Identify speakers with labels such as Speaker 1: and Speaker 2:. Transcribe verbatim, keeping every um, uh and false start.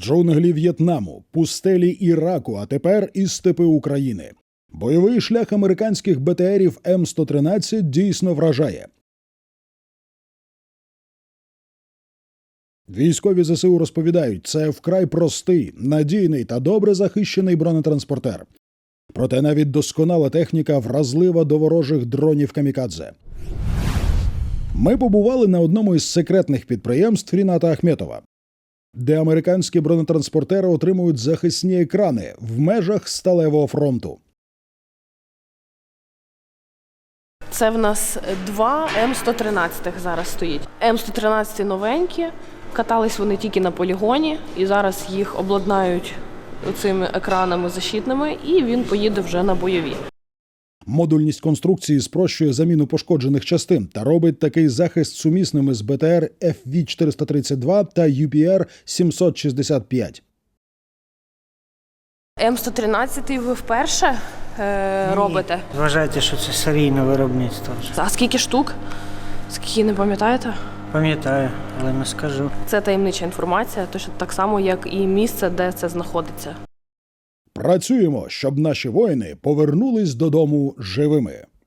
Speaker 1: джунглі В'єтнаму, пустелі Іраку, а тепер і степи України. Бойовий шлях американських Бе Те Ерів Ем сто тринадцять дійсно вражає. Військові Зе Се У розповідають, це вкрай простий, надійний та добре захищений бронетранспортер. Проте навіть досконала техніка вразлива до ворожих дронів камікадзе. Ми побували на одному із секретних підприємств Ріната Ахметова, де американські бронетранспортери отримують захисні екрани в межах сталевого фронту.
Speaker 2: Це в нас два Ем сто тринадцять зараз стоїть. Ем сто тринадцять новенькі, катались вони тільки на полігоні, і зараз їх обладнають цими екранами защитними, і він поїде вже на бойові.
Speaker 1: Модульність конструкції спрощує заміну пошкоджених частин та робить такий захист сумісними з Бе Те Ер Еф Ві чотириста тридцять два та Ю Пі Ер сімсот шістдесят п'ять.
Speaker 2: Ем сто тринадцять ви вперше е, робите?
Speaker 3: Вважайте, що це серійне виробництво вже.
Speaker 2: А скільки штук? Скільки, не пам'ятаєте?
Speaker 3: Пам'ятаю, але не скажу.
Speaker 2: Це таємнича інформація, точно так само, як і місце, де це знаходиться.
Speaker 1: Працюємо, щоб наші воїни повернулись додому живими.